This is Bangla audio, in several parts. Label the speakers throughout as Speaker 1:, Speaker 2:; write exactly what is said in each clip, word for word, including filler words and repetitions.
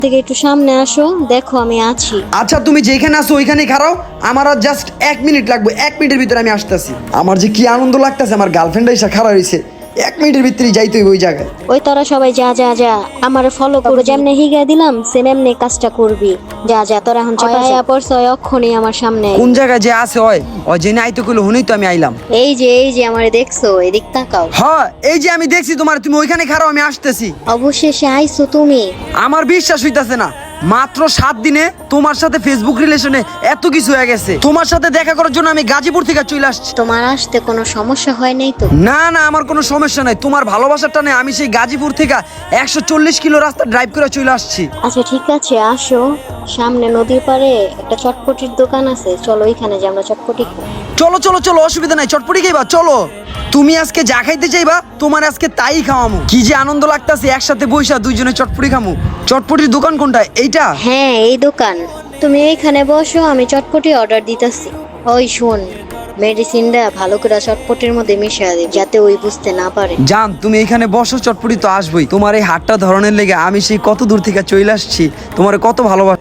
Speaker 1: থেকে একটু সামনে আসো, দেখো আমি আছি।
Speaker 2: আচ্ছা তুমি যেখানে আসো ওইখানেই খারাও, আমার আর জাস্ট এক মিনিট লাগবে, এক মিনিটের ভিতরে আমি আসতেছি। আমার যে কি আনন্দ লাগতেছে, আমার গার্লফ্রেন্ড এসে খারাপ হয়েছে, এক মিনিটের ভিতরেই যাইতে হইব ওই জায়গায়।
Speaker 1: ওই তারা সবাই যা যা যা আমার ফলো করে, যেমনে হিগা দিলাম সেম এমনি কাজটা করবি। যা যা তোরা এখন চাপায়া পড়ছে, ওই অক্ষণে আমার সামনে আয়।
Speaker 2: কোন জায়গায় যে আছে ওই ওই জেনে আইতে কইলো, হুনেই তো আমি আইলাম।
Speaker 1: এই যে এই যে আমারে দেখছো, এদিক তাকাও।
Speaker 2: হ্যাঁ এই যে আমি দেখছি তোমার, তুমি ওইখানে খারাও, আমি আসতেছি।
Speaker 1: অবশেষে আইছো তুমি।
Speaker 2: আমার বিশ্বাস হইতাছে না, মাত্র সাত দিনে তোমার সাথে ফেসবুক রিলেশনে এত কিছু হয়ে গেছে। তোমার সাথে দেখা করার জন্য আমি গাজীপুর থেকে চলে আসছি।
Speaker 1: তোমার আসতে কোনো সমস্যা হয় নাই তো?
Speaker 2: না না, আমার কোনো সমস্যা নাই। তোমার ভালোবাসার টানে আমি সেই গাজীপুর থেকে একশো চল্লিশ কিলো রাস্তা ড্রাইভ করে চলে আসছি।
Speaker 1: আচ্ছা ঠিক আছে, আসো। সামনে নদীর পাড়ে একটা চটপটির দোকান আছে, চলো ওইখানে যে আমরা চটপটি খাই।
Speaker 2: চলো চলো চলো, অসুবিধা নাই, চটপটি খাইবা চলো। তুমি আজকে যা খাইতে চাইবা তোমার আজকে তাই খাওয়ামু। কি যে আনন্দ লাগতাছে, একসাথে বইসা দুইজনে চটপটি খামু। চটপটির দোকান কোনটা? এইটা?
Speaker 1: হ্যাঁ এই দোকান। তুমি এইখানে বসো, আমি চটপটি অর্ডার দিতেছি। ওই শোন, মেডিসিনটা ভালো করে চটপটির মধ্যে মিশিয়ে দে, যাতে ওই বুঝতে না পারে।
Speaker 2: জান তুমি এখানে বসো, চটপটি তো আসবই। তোমার এই হাতটা ধরনের লেগে আমি সেই কত দূর থেকে চলে আসছি, তোমার কত ভালোবাসা।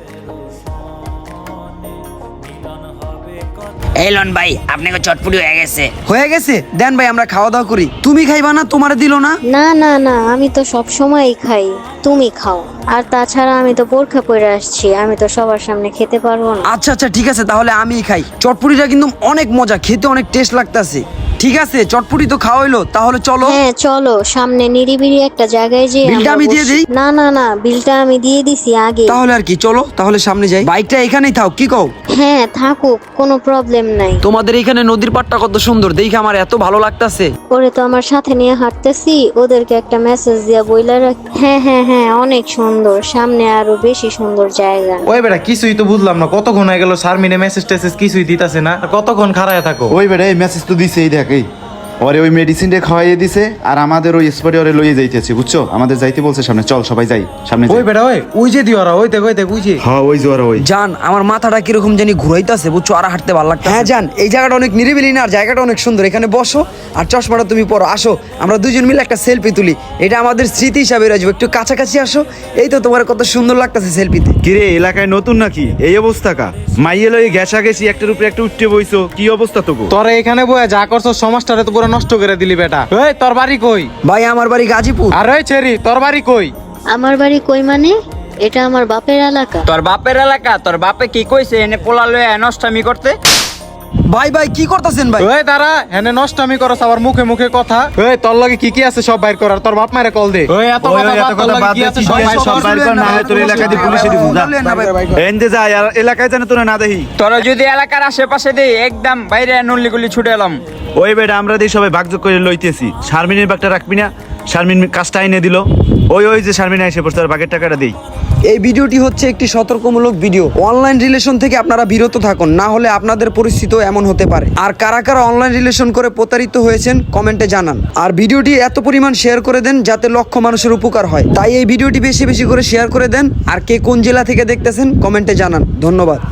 Speaker 3: এলন ভাই আপনাকে চটপটি হয়ে গেছে।
Speaker 2: হয়ে গেছে, দেন ভাই আমরা খাওয়া দাওয়া করি। তুমি খাইবা না? তোমারে দিল না?
Speaker 1: না না না, আমি তো সব সময়ই খাই, তুমি খাও। আর তাছাড়া আমি তো বোরখা পরে আসছি, আমি তো সবার সামনে খেতে পারবো না।
Speaker 2: আচ্ছা আচ্ছা ঠিক আছে, তাহলে আমিই খাই। চটপটিটা কিন্তু অনেক মজা, খেতে অনেক টেস্ট লাগতাছে। ঠিক আছে চটপটি তো খাওয়া হইলো, তাহলে চলো।
Speaker 1: হ্যাঁ চলো, সামনে নিরিবিলি একটা জায়গায় যে
Speaker 2: বিলটা আমি দিয়ে দিই?
Speaker 1: না না না, বিলটা আমি দিয়ে দিছি আগে।
Speaker 2: তাহলে আর কি, চলো তাহলে সামনে যাই। বাইকটা এখানেই থাক, কি কও?
Speaker 1: হ্যাঁ থাকুক, কোনো প্রবলেম নাই।
Speaker 2: তোমাদের এখানে নদীর পাড়টা কত সুন্দর, দেখে আমার এত ভালো লাগতাছে।
Speaker 1: ওরে তো আমার সাথে নিয়ে হাঁটতেছি, ওদেরকে একটা মেসেজ দিয়া বইলা রাখ। হ্যাঁ হ্যাঁ হ্যাঁ, অনেক সুন্দর, সামনে আরো বেশি সুন্দর জায়গা।
Speaker 4: ওই বেটা কিছুই তো বুঝলাম না, কতক্ষণ হয়ে গেল শারমিনে মেসেজ টেসেজ কিছুই দিতাছে না, আর কতক্ষণ খাড়ায় থাকো?
Speaker 5: ওই বেটা এই মেসেজ তো দিছে, এই দেখ এই ওরে ওই মেডিসিনটা খাওয়াইয়ে দিছে, আর আমাদের ওই স্পটে ওরে লইয়ে যাইতেছে, বুঝছো? আমাদের যাইতে বলছে সামনে, চল সবাই যাই সামনে যাই।
Speaker 4: ওই বেটা ওই ওই যে দিওরা, ওই দেখ ওই দেখ ওই যে।
Speaker 5: হ্যাঁ ওই জোয়ার ওই।
Speaker 2: জান আমার মাথাটা কিরকম জানি ঘুরাইতাছে, বুঝছো? আর হাঁটতে ভালো লাগছে। হ্যাঁ জান, এই জায়গাটা অনেক নিরিবিলি না, আর জায়গাটা অনেক সুন্দর। এখানে বসো আর চশমাটা তুমি পরো, আসো আমরা দুজন মিলে একটা সেলফি তুলি, এটা আমাদের স্মৃতি হিসাবে রাখবো। একটু কাছাকাছি আসো, এই তো তোমার কত সুন্দর লাগতেছে সেলফিতে।
Speaker 5: কিরে এলাকায় নতুন নাকি এই অবস্থা কা? মাইয়ে লই গেছা গেছি, একটার উপরে একটা উঠতে বইছো, কি অবস্থা তোকে?
Speaker 4: তোরা এখানে বয়ে যা করছো সমাজটারে তো পুরো নষ্ট করে দিলি বেটা। ওই তোর বাড়ি কই?
Speaker 2: ভাই আমার বাড়ি গাজীপুর।
Speaker 4: আর ওই ছেড়ি তোর বাড়ি কই?
Speaker 1: আমার বাড়ি কই মানে? এটা আমার বাপের এলাকা।
Speaker 3: তোর বাপের এলাকা, তোর বাপে কি কইছে এনে পোলা লয়ে নষ্টামি করতে?
Speaker 2: ভাই ভাই কি করতেছেন ভাই?
Speaker 4: ওই দাঁড়া, হেনে নষ্ট আমি করছ আবার মুখে মুখে কথা। ওই তোর লগে কি কি আছে সব বাইর কর, আর তোর বাপ মায়ের কল দে। ওই এত কথা বাদ, তোর লগে কি আছে সব বাইর কর।
Speaker 5: সব বাইর কর, না হয় তোর এলাকায় দিয়ে পুলিশে দিব। যা এন্ডে যা, আর এলাকায় জানে তোরা না দেখি।
Speaker 3: তোরা যদি এলাকার আশেপাশে দেই একদম বাইরে নল্লিগুলি ছুটে এলাম।
Speaker 5: ওই বেটা আমরা দিয়ে সবাই ভাগযোগ করে লইতেছি। শারমিনের বাগটা রাখবি না? শারমিন কাজটা এনে দিল। ওই ওই যে শারমিন এসে পড়ছে, আর বাগের টাকাটা দেই।
Speaker 2: এই ভিডিওটি হচ্ছে একটি সতর্কমূলক ভিডিও। অনলাইন রিলেশন থেকে আপনারা বিরত থাকুন, না হলে আপনাদের পরিস্থিতিও এমন হতে পারে। আর কারা কারা অনলাইন রিলেশন করে প্রতারিত হয়েছেন কমেন্টে জানান। আর ভিডিওটি এত পরিমাণ শেয়ার করে দেন যাতে লক্ষ মানুষের উপকার হয়। তাই এই ভিডিওটি বেশি বেশি করে শেয়ার করে দেন। আর কে কোন জেলা থেকে দেখতেছেন কমেন্টে জানান। ধন্যবাদ।